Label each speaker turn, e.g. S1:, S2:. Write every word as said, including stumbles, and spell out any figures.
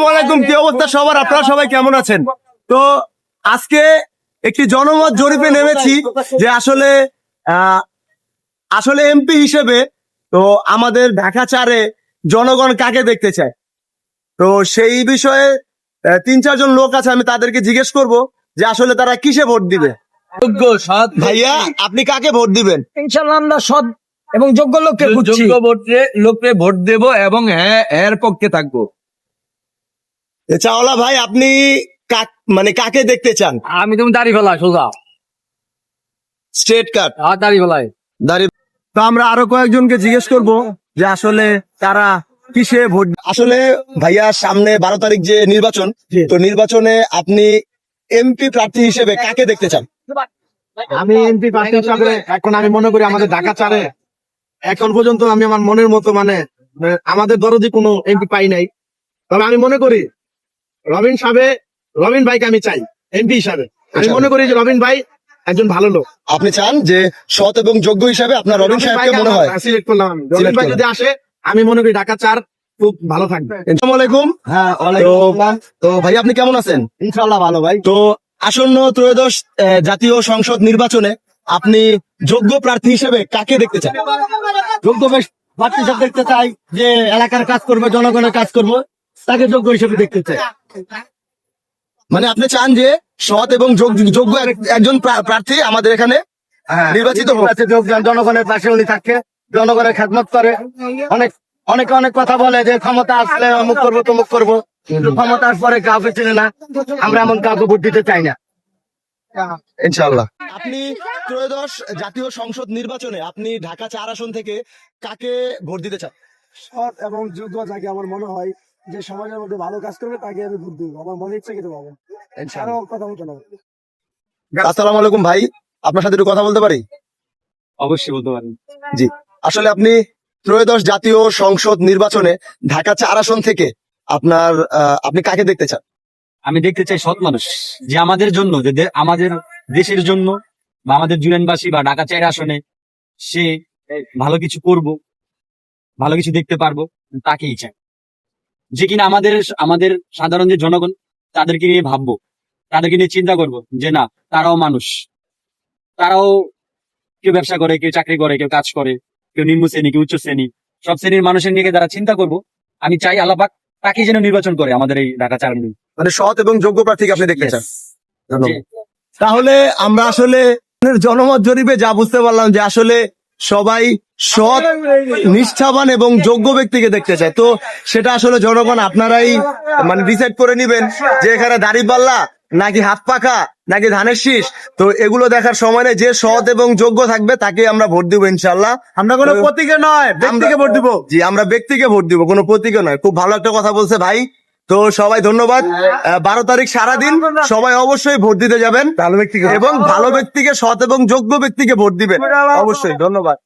S1: আলাইকুম, কি অবস্থা সবার? আপনারা সবাই কেমন আছেন? তো আজকে একটি জনমত জরিপে নেমেছি যে আসলে আহ, আসলে এমপি হিসেবে তো আমাদের ঢাকা চারে জনগণ কাকে দেখতে চায়। তো সেই বিষয়ে আহ, তিন চারজন লোক আছে, আমি তাদেরকে জিজ্ঞেস করব যে আসলে তারা কিসে ভোট দিবে।
S2: যোগ্য সৎ
S1: ভাইয়া, আপনি কাকে ভোট দিবেন?
S3: ইনশাল্লাহ আমরা সৎ এবং যোগ্য লোককে খুঁজছি।
S2: যোগ্য ভোটে লোককে ভোট দেব এবং হ্যাঁ এর পক্ষে থাকবো।
S1: এ চাওলা ভাই, আপনি কাক মানে কাকে দেখতে চান?
S3: আমি তুমি দাড়ি ফেলাই সোজা
S1: স্ট্রেট কাট
S3: আর দাড়ি ফেলাই
S1: দাঁড়িয়ে। তো আমরা আরো কয়েকজনকে জিজ্ঞেস করব যে আসলে তারা কিসে ভোট। আসলে ভাইয়া, সামনে বারো তারিখ যে নির্বাচন, তো নির্বাচনে আপনি এমপি প্রার্থী হিসেবে কাকে দেখতে চান?
S4: আমি এমপি প্রার্থী হিসাবে এখন আমি মনে করি আমাদের ঢাকা চারে এখন পর্যন্ত আমি আমার মনের মতো মানে আহ, আমাদের দরদি কোনো এমপি পাই নাই। তবে আমি মনে করি রবিন সাহেব রবিন ভাইকে আমি চাই এমপি হিসাবে। আমি মনে করি যে রবিন ভাই একজন ভালো লোক।
S1: আপনি চান যে সৎ এবং যোগ্য হিসাবে আপনার রবিন সাহেবকে মনে হয়?
S4: সিলেক্ট করলাম আমি। রবিন
S1: Select
S4: ভাই যদি আসে আমি মনে করি ঢাকা চার খুব ভালো থাকবে।
S1: আসসালামু আলাইকুম।
S4: হ্যাঁ,
S1: তো- তো ভাই, আপনি কেমন আছেন?
S4: ইনশাল্লাহ ভালো ভাই।
S1: তো আসন্ন ত্রয়োদশ আহ, জাতীয় সংসদ নির্বাচনে আপনি যোগ্য প্রার্থী হিসেবে কাকে দেখতে চান?
S4: যোগ্য বেশ প্রার্থী হিসাবে দেখতে চাই, যে এলাকার কাজ করবে, জনগণের কাজ করবে, তাকে যোগ্য হিসেবে দেখতে চাই।
S1: মানে আপনি চান যে সৎ এবং যোগ- যোগ্য এক- একজন প্রা- প্রার্থী আমাদের এখানে নির্বাচিত হোক।
S4: আছে যোগদান, জনগণের পাশে উনি থাকে, জনগণের খেদমত করে। অনেক অনেকে অনেক কথা বলে যে ক্ষমতা আসলে অমুক করবো তমুক করবো, কিন্তু ক্ষমতা আসার পরে কাউকে চিনে না। আমরা এমন কাউকে ভোট দিতে চাই না।
S1: ইনশাআল্লাহ। আপনি ত্রয়োদশ জাতীয় সংসদ নির্বাচনে আপনি ঢাকা চার আসন থেকে কাকে ভোট দিতে চান?
S4: সৎ এবং যোগ্য যাকে আমার মনে হয় যে সমাজের মধ্যে ভালো কাজ করবে তাকে আমি ভোট দিব। আমার মনে ইচ্ছে কিন্তু পাবো কথা বলতে না।
S1: আসসালামু আলাইকুম ভাই, আপনার সাথে একটু কথা বলতে পারি?
S2: অবশ্যই বলতে পারেন।
S1: জি, আসলে আপনি ত্রয়োদশ জাতীয় সংসদ নির্বাচনে ঢাকা চার আসন থেকে আপনার আহ, আপনি কাকে দেখতে চান?
S2: আমি দেখতে চাই সৎ মানুষ, যে আমাদের জন্য, যে দে- আমাদের দেশের জন্য বা আমাদের জুরানবাসী বা ঢাকা চার আসনে সে ভালো কিছু করব, ভালো কিছু দেখতে পারবো, তাকেই চাই। যে কিনা আমাদের আমাদের সাধারণ যে জনগণ, তাদেরকে নিয়ে ভাববো, তাদেরকে নিয়ে চিন্তা করব যে না, তারাও মানুষ, তারাও কেউ ব্যবসা করে, কেউ চাকরি করে, কেউ কাজ করে, কেউ নিম্ন শ্রেণী, কেউ উচ্চ শ্রেণী, সব শ্রেণীর মানুষের নিয়ে যারা চিন্তা করব, আমি চাই আল্লাহ পাক তাকে যেন নির্বাচন করে আমাদের এই ঢাকা চার আসনে।
S1: মানে সৎ এবং যোগ্য প্রার্থীকে আপনি দেখতে চান?
S2: Yes.
S1: ধন্যবাদ। তাহলে আমরা আসলে জনমত জরিপে যা বুঝতে পারলাম যে আসলে সবাই সৎ, নিষ্ঠাবান এবং যোগ্য ব্যক্তিকে দেখতে চায়। তো সেটা আসলে জনগণ আপনারাই মানে ডিসাইড করে নিবেন যে এখানে দাড়িপাল্লা নাকি হাত পাখা নাকি ধানের শীষ। তো এগুলো দেখার সময় নেই, যে সৎ এবং যোগ্য থাকবে তাকে আমরা ভোট দিব ইনশাল্লাহ। আমরা কোনো প্রতীকে নয়, ব্যক্তিকে ভোট দিব। জি, আমরা ব্যক্তিকে ভোট দিব, কোনো প্রতীকে নয়। খুব ভালো একটা কথা বলছে ভাই। তো সবাই ধন্যবাদ। আহ, বারো তারিখ সারাদিন সবাই অবশ্যই ভোট দিতে যাবেন ভালো ব্যক্তিকে, এবং ভালো ব্যক্তিকে, সৎ এবং যোগ্য ব্যক্তিকে ভোট দিবেন অবশ্যই। ধন্যবাদ।